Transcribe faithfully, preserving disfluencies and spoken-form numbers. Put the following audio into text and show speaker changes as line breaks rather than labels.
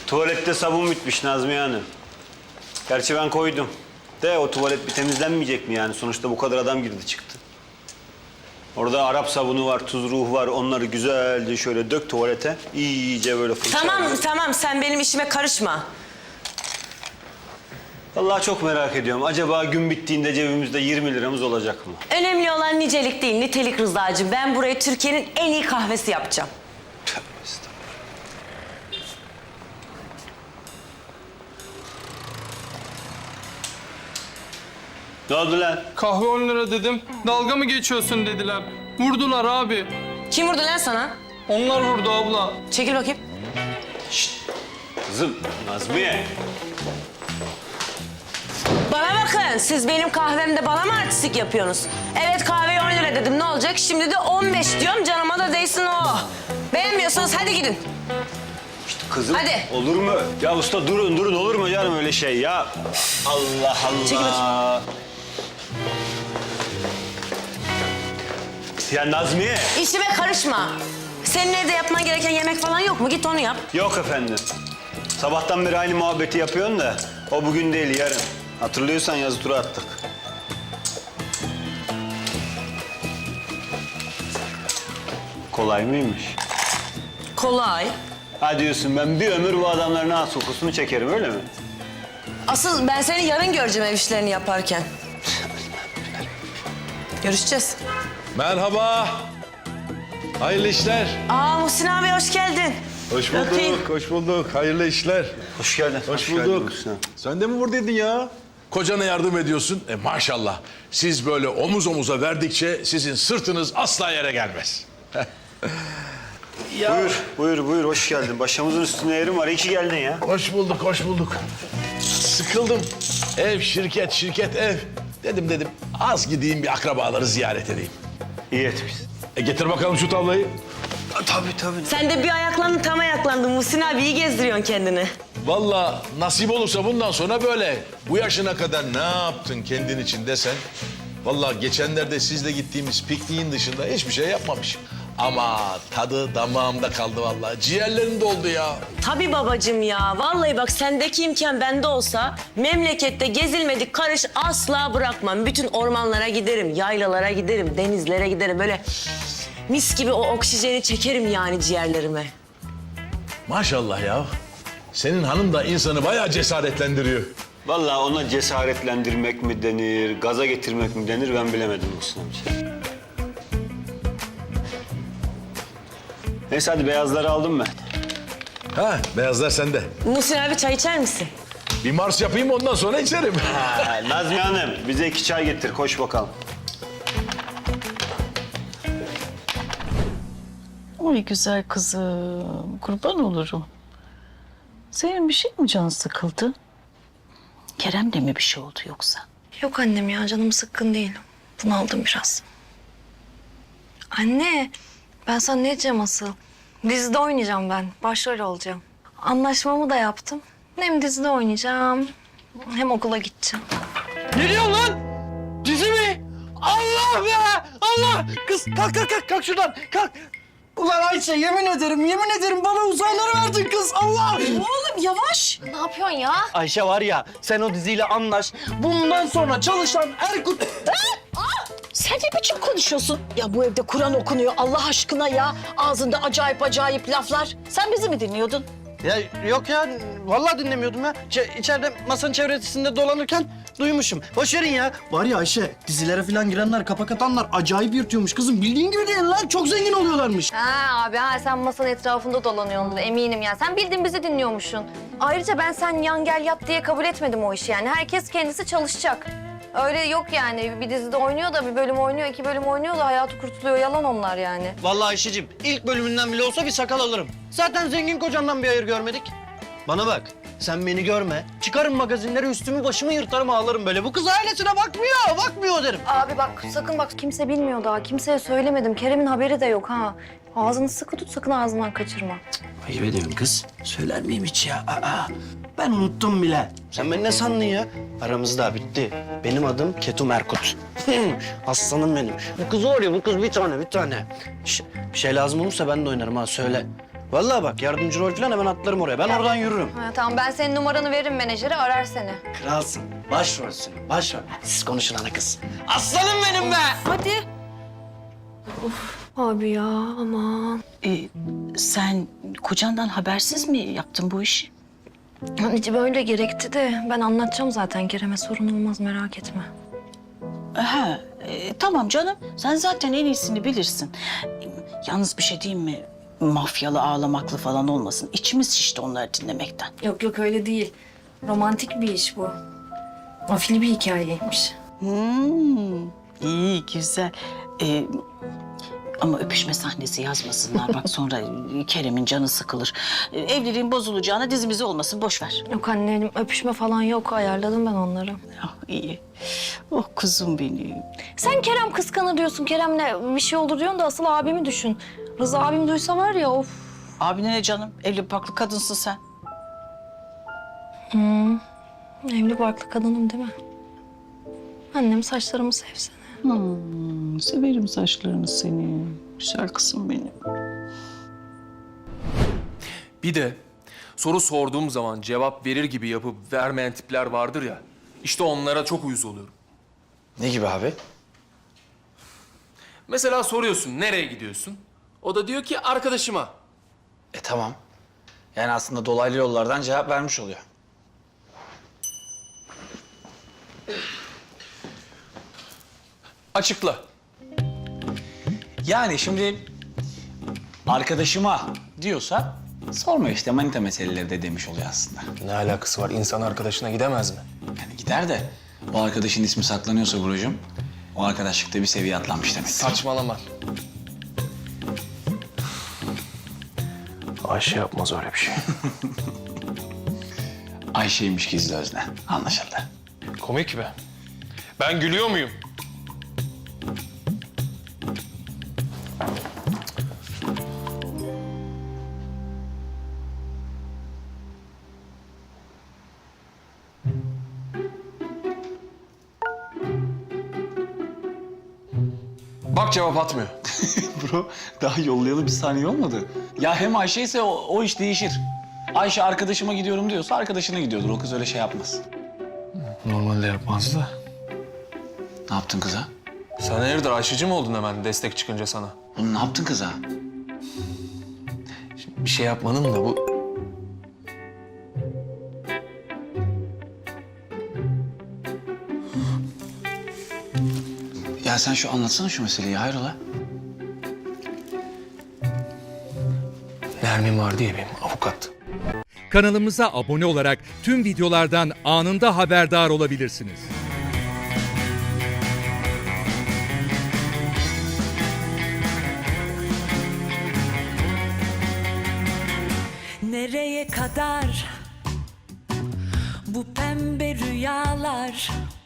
Tuvalette sabun bitmiş Nazmiye Hanım. Gerçi ben koydum. De o tuvalet bir temizlenmeyecek mi yani? Sonuçta bu kadar adam girdi çıktı. Orada Arap sabunu var, tuz ruhu var. Onları güzelce şöyle dök tuvalete. İyice böyle fırça.
Tamam tamam sen benim işime karışma.
Vallahi çok merak ediyorum. Acaba gün bittiğinde cebimizde yirmi liramız olacak mı?
Önemli olan nicelik değil nitelik Rıza'cığım. Ben burayı Türkiye'nin en iyi kahvesi yapacağım.
Tövbe estağfurullah. Ne oldu lan?
Kahve on lira dedim. Dalga mı geçiyorsun dediler. Vurdular abi.
Kim vurdu lan sana?
Onlar vurdu abla.
Çekil bakayım.
Kızım, Nazmiye.
Bana bakın siz benim kahvemde bana mı artistik yapıyorsunuz? Evet kahveye on lira dedim ne olacak? Şimdi de on beş diyorum canıma da değsin o. Beğenmiyorsanız hadi gidin.
Kızım,
Hadi.
olur mu? Ya usta durun, durun olur mu canım öyle şey ya? Allah
Çekil
Allah. Ya Nazmiye.
İşime karışma. Senin evde yapman gereken yemek falan yok mu? Git onu yap.
Yok efendim. Sabahtan beri aynı muhabbeti yapıyorsun da o bugün değil yarın. Hatırlıyorsan yazı tura attık. Kolay mıymış?
Kolay.
Ha diyorsun ben bir ömür bu adamların ağız kokusunu çekerim öyle mi?
Asıl ben seni yarın göreceğim ev işlerini yaparken. Görüşeceğiz.
Merhaba. Hayırlı işler.
Aa Muhsin abi hoş geldin.
Hoş bulduk,
Öpeyim.
hoş bulduk. Hayırlı işler.
Hoş geldin.
Hoş,
geldin
bulduk.
Hüsnü.
Sen de mi buradaydın ya? Kocana yardım ediyorsun. E maşallah. Siz böyle omuz omuza verdikçe sizin sırtınız asla yere gelmez.
Ya. Buyur, buyur, buyur. Hoş geldin. Başımızın üstüne yerim var. İyi ki geldin ya.
Hoş bulduk, hoş bulduk. Sıkıldım. Ev, şirket, şirket, ev. Dedim dedim az gideyim bir akrabaları ziyaret edeyim.
İyi etmişsin.
E getir bakalım şu tablayı.
Tabii, tabii.
Sen de bir ayaklandın tam ayaklandın. Muhsin abi iyi gezdiriyorsun kendini.
Vallahi nasip olursa bundan sonra böyle. Bu yaşına kadar ne yaptın kendin için desen. Vallahi geçenlerde sizle gittiğimiz pikniğin dışında hiçbir şey yapmamış. Ama tadı damağımda kaldı vallahi. Ciğerlerim doldu ya.
Tabii babacığım ya. Vallahi bak sendeki imkan bende olsa memlekette gezilmedik karış asla bırakmam. Bütün ormanlara giderim, yaylalara giderim, denizlere giderim. Böyle mis gibi o oksijeni çekerim yani ciğerlerime.
Maşallah ya. Senin hanım da insanı bayağı cesaretlendiriyor.
Vallahi ona cesaretlendirmek mi denir, gaza getirmek mi denir ben bilemedim Muhsin amca. Neyse hadi beyazları aldım ben.
Ha, beyazlar sende.
Muhsin abi çay içer misin?
Bir mars yapayım ondan sonra içerim.
Ha, Nazmiye Hanım bize iki çay getir. Koş bakalım.
Oy güzel kızım, kurban olurum. Senin bir şey mi canın sıkıldı? Kerem'le mi bir şey oldu yoksa?
Yok annem ya canım sıkkın değil. Bunaldım biraz. Anne ben sana ne diyeceğim asıl? Dizide oynayacağım ben. Başrol olacağım. Anlaşmamı da yaptım. Hem dizide oynayacağım hem okula gideceğim.
Ne diyorsun lan? Dizi mi? Allah be! Allah! Kız kalk kalk kalk kalk şuradan kalk. Ulan Ayşe yemin ederim yemin ederim bana uzayları verdin kız Allah!
Oğlum yavaş. Ne yapıyorsun ya?
Ayşe var ya sen o diziyle anlaş. Bundan sonra çalışan Erkut...
Sen ne biçim konuşuyorsun? Ya bu evde Kur'an okunuyor Allah aşkına ya. Ağzında acayip acayip laflar. Sen bizi mi dinliyordun?
Ya yok ya vallahi dinlemiyordum ya. Ç- içeride masanın çevresinde dolanırken duymuşum. Boş verin ya. Var ya Ayşe dizilere falan girenler kapak atanlar acayip yırtıyormuş kızım. Bildiğin gibi değil lan çok zengin oluyorlarmış.
Ha abi ha sen masanın etrafında dolanıyorsun eminim ya. Sen bildiğin bizi dinliyormuşsun. Ayrıca ben sen yan gel yat diye kabul etmedim o işi yani. Herkes kendisi çalışacak. Öyle yok yani. Bir dizide oynuyor da bir bölüm oynuyor, iki bölüm oynuyor da hayatı kurtuluyor. Yalan onlar yani.
Vallahi Ayşe'cim ilk bölümünden bile olsa bir sakal alırım. Zaten zengin kocandan bir hayır görmedik. Bana bak sen beni görme. Çıkarım magazinleri üstümü başımı yırtarım ağlarım böyle. Bu kız ailesine bakmıyor, bakmıyor derim.
Abi bak sakın bak kimse bilmiyor daha. Kimseye söylemedim. Kerem'in haberi de yok ha. Ağzını sıkı tut sakın ağzından kaçırma.
Ayıp ediyorsun kız. Söyler miyim hiç ya? Aa, ben unuttum bile. Sen beni ne sandın ya? Aramızda bitti. Benim adım Ketum Erkut. Aslanım benim. Bu kız var ya bu kız bir tane bir tane. Şş, bir şey lazım olursa ben de oynarım ha söyle. Vallahi bak yardımcı rol falan hemen atlarım oraya. Ben oradan yürürüm.
Ha, tamam ben senin numaranı veririm menajere arar seni.
Kralsın. Başrolsün. Başrol. Hadi siz konuşun ana kız. Aslanım benim be.
Hadi. Abi ya aman.
Ee, sen kocandan habersiz mi yaptın bu işi?
Anneciğim öyle gerekti de ben anlatacağım zaten Kerem'e sorun olmaz merak etme.
Ha, e, tamam canım. Sen zaten en iyisini bilirsin. Yalnız bir şey diyeyim mi? Mafyalı, ağlamaklı falan olmasın. İçimiz şişti onları dinlemekten.
Yok yok öyle değil. Romantik bir iş bu. Afili bir hikayeymiş.
Hmm, iyi, güzel. Ee, ama öpüşme sahnesi yazmasınlar. Bak sonra Kerem'in canı sıkılır. Ee, evliliğin bozulacağına dizimizi olmasın. Boş ver.
Yok annem öpüşme falan yok ayarladım ben onları.
Ah, iyi. Oh kuzum benim.
Sen Kerem kıskanır diyorsun. Kerem'le bir şey olur diyorsun da asıl abimi düşün. Rıza abim duysa var ya of.
Abine ne canım? Evli barklı kadınsın sen.
Evli barklı kadınım değil mi? Annem saçlarımı sevsene.
Hmm, severim saçlarını seni. Güzel kızım benim.
Bir de soru sorduğum zaman cevap verir gibi yapıp vermeyen tipler vardır ya. İşte onlara çok uyuz oluyorum.
Ne gibi abi?
Mesela soruyorsun nereye gidiyorsun? O da diyor ki arkadaşıma.
E tamam. Yani aslında dolaylı yollardan cevap vermiş oluyor.
Açıkla.
Yani şimdi arkadaşıma diyorsa sorma işte manita meseleleri de demiş oluyor aslında.
Ne alakası var? İnsan arkadaşına gidemez mi?
Yani gider de o arkadaşın ismi saklanıyorsa Buracığım, o arkadaşlıkta bir seviye atlanmış demektir.
Saçmalama. Ayşe yapmaz öyle bir şey.
Ayşe'ymiş gizli özne. Anlaşıldı.
Komik be. Ben gülüyor muyum? Bak cevap atmıyor.
Bro daha yollayalı bir saniye olmadı. Ya hem Ayşe ise o, o iş değişir. Ayşe arkadaşıma gidiyorum diyorsa arkadaşına gidiyordur. O kız öyle şey yapmaz.
Normalde yapmaz da.
Ne yaptın kıza?
Sen hayırdır Ayşe'cim oldun hemen destek çıkınca sana?
Oğlum ne yaptın kıza?
Bir şey yapmanın da bu...
Ya sen şu anlatsana şu meseleyi hayrola?
Nermin var diye benim avukat.
Kanalımıza abone olarak tüm videolardan anında haberdar olabilirsiniz.
Nereye kadar bu pembe rüyalar?